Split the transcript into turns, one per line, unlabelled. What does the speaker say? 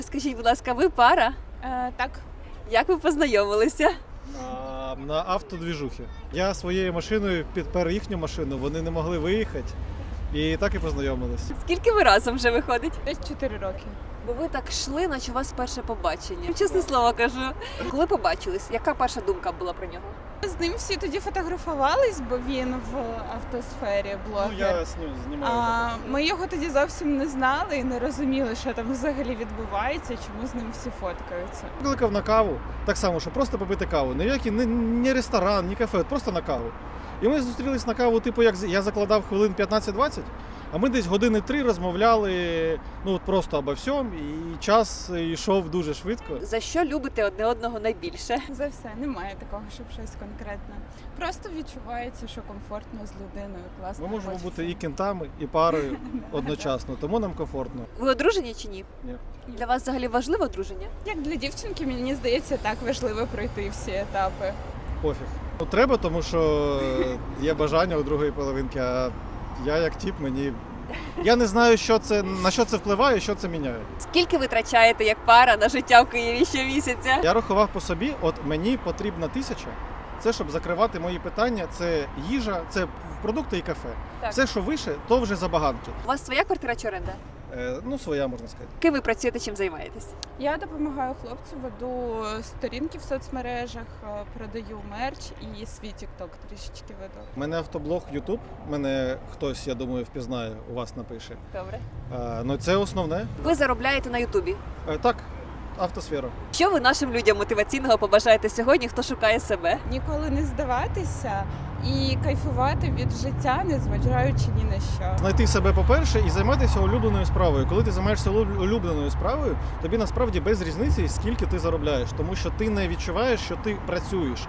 Скажіть, будь ласка, ви пара?
Так.
Як ви познайомилися?
На автодвіжухи. Я своєю машиною підпер їхню машину, вони не могли виїхати. І так і познайомились.
Скільки ви разом вже виходить?
Десь 4 роки.
Бо ви так йшли, наче у вас перше побачення. Чесне слово кажу. Коли побачились, яка перша думка була про нього?
З ним всі тоді фотографувались, бо він в автосфері блогер.
Ну, я знімаю.
Ми його тоді зовсім не знали і не розуміли, що там взагалі відбувається, чому з ним всі фоткаються.
Викликав на каву, так само, що просто попити каву. Ніякий ні ресторан, ні кафе, просто на каву. І ми зустрілись на каву, типу, як я закладав хвилин 15-20, а ми десь години 3 розмовляли, ну от просто обо всьому, і час йшов дуже швидко.
За що любите одне одного найбільше?
За все, немає такого, щоб щось конкретне. Просто відчувається, що комфортно з людиною, класно.
Ми можемо
хочеться.
бути і кентами, і парою одночасно, тому нам комфортно.
Ви одружені чи ні?
Ні.
Для вас взагалі важливе одруження?
Як для дівчинки, мені здається, так важливо пройти всі етапи.
Пофіг. Ну, треба, тому що є бажання у другої половинки, а я як тип, я не знаю, на що це впливає, що це міняє.
Скільки ви витрачаєте як пара на життя в Києві щомісяця?
Я рахував по собі, от мені потрібна 1000, це щоб закривати мої питання, це їжа, це продукти і кафе.
Так.
Все, що вище, то вже забаганки.
У вас своя квартира чи оренда?
Ну, своя, можна сказати.
Ким ви працюєте, чим займаєтесь?
Я допомагаю хлопцю, веду сторінки в соцмережах, продаю мерч і свій TikTok трішечки веду.
У мене автоблог YouTube, мене хтось, я думаю, впізнає, у вас напише.
Добре.
Ну, це основне.
Ви заробляєте на Ютубі.
Так, автосфера.
Що ви нашим людям мотиваційного побажаєте сьогодні, хто шукає себе?
Ніколи не здаватися і кайфувати від життя, незважаючи ні на що.
Знайти себе, по-перше, і займатися улюбленою справою. Коли ти займаєшся улюбленою справою, тобі насправді без різниці, скільки ти заробляєш, тому що ти не відчуваєш, що ти працюєш.